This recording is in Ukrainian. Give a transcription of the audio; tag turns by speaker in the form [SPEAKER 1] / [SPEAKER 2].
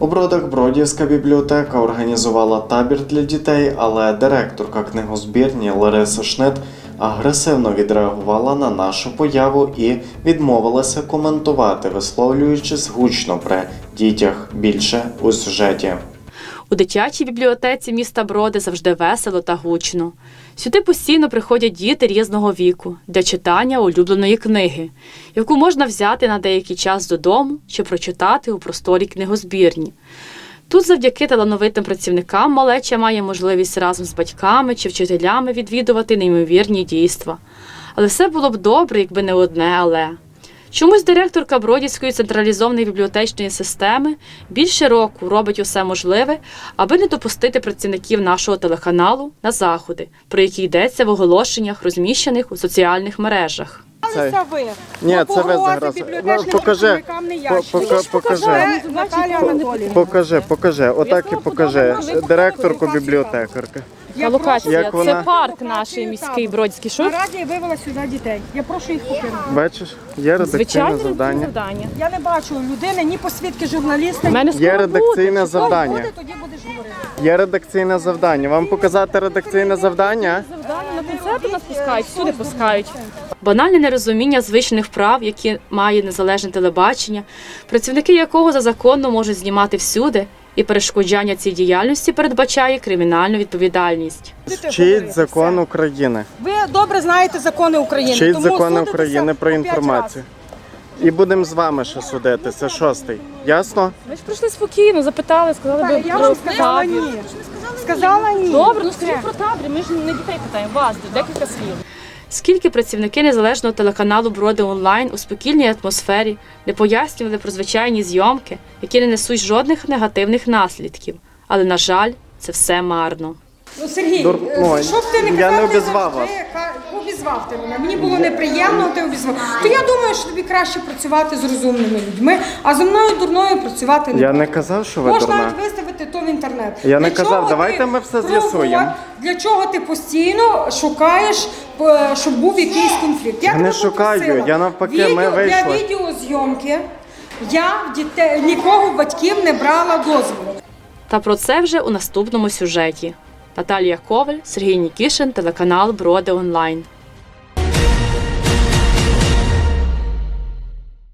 [SPEAKER 1] У Бродах Бродівська бібліотека організувала табір для дітей, але директорка книгозбірні Лариса Шнит агресивно відреагувала на нашу появу і відмовилася коментувати, висловлюючись гучно при дітях. Більше у сюжеті.
[SPEAKER 2] У дитячій бібліотеці міста Броди завжди весело та гучно. Сюди постійно приходять діти різного віку для читання улюбленої книги, яку можна взяти на деякий час додому чи прочитати у просторі книгозбірні. Тут завдяки талановитим працівникам малеча має можливість разом з батьками чи вчителями відвідувати неймовірні дійства. Але все було б добре, якби не одне «але». Чомусь директорка Бродівської централізованої бібліотечної системи більше року робить усе можливе, аби не допустити працівників нашого телеканалу на заходи, про які йдеться в оголошеннях, розміщених у соціальних мережах.
[SPEAKER 1] Це
[SPEAKER 3] ви.
[SPEAKER 1] Ні, це ви зараз. Покажи. Отак і покажи. Директорку бібліотекарки.
[SPEAKER 2] Локація
[SPEAKER 1] – це
[SPEAKER 2] парк наш міський Бродівський.
[SPEAKER 3] На раді вивела сюди дітей. Я прошу їх покинути.
[SPEAKER 1] Бачиш, є редакційне завдання.
[SPEAKER 3] Я не бачу людини, ні посвідки журналіста.
[SPEAKER 1] Є редакційне завдання.
[SPEAKER 3] Тоді будеш говорити.
[SPEAKER 1] Є редакційне завдання. Вам показати редакційне завдання?
[SPEAKER 2] На концерти нас пускають, всюди пускають. Банальне нерозуміння звичних прав, які має незалежне телебачення, працівники якого за законом можуть знімати всюди, і перешкоджання цій діяльності передбачає кримінальну відповідальність.
[SPEAKER 1] Вчіть закон України.
[SPEAKER 3] Ви добре знаєте закони України.
[SPEAKER 1] Вчіть
[SPEAKER 3] тому
[SPEAKER 1] закони
[SPEAKER 3] судитеся
[SPEAKER 1] України про
[SPEAKER 3] по 5
[SPEAKER 1] інформацію. І будемо з вами ще судити. Це 6-й. Ясно?
[SPEAKER 2] Ми ж прийшли спокійно, запитали, сказали,
[SPEAKER 3] разів. Я вам сказала ні. Сказала ні.
[SPEAKER 2] Добре, скажіть про табір, ми ж не дітей питаємо, вас, декілька слів. Скільки працівники незалежного телеканалу «Броди онлайн» у спокійній атмосфері не пояснювали про звичайні зйомки, які не несуть жодних негативних наслідків. Але, на жаль, це все марно.
[SPEAKER 3] Ну, Сергій,
[SPEAKER 1] що б ти не казав,
[SPEAKER 3] я
[SPEAKER 1] не обізвав вас.
[SPEAKER 3] Обізвав ти мене. Мені було неприємно, ти обізвав. То я думаю, що тобі краще працювати з розумними людьми, а зі мною дурною працювати не
[SPEAKER 1] Я
[SPEAKER 3] можна.
[SPEAKER 1] не казав, що ви
[SPEAKER 3] Можна
[SPEAKER 1] дурна.
[SPEAKER 3] навіть виставити то в інтернет.
[SPEAKER 1] Я не
[SPEAKER 3] Для
[SPEAKER 1] казав,
[SPEAKER 3] чого
[SPEAKER 1] давайте
[SPEAKER 3] ти
[SPEAKER 1] ми все з'ясуємо.
[SPEAKER 3] Для чого ти постійно шукаєш, щоб був якийсь конфлікт?
[SPEAKER 1] Я не шукаю, я навпаки, ми вийшли.
[SPEAKER 3] Для відеозйомки я нікого в батьків не брала дозволу.
[SPEAKER 2] Та про це вже у наступному сюжеті. Наталія Коваль, Сергій Нікішин, телеканал «Броди онлайн».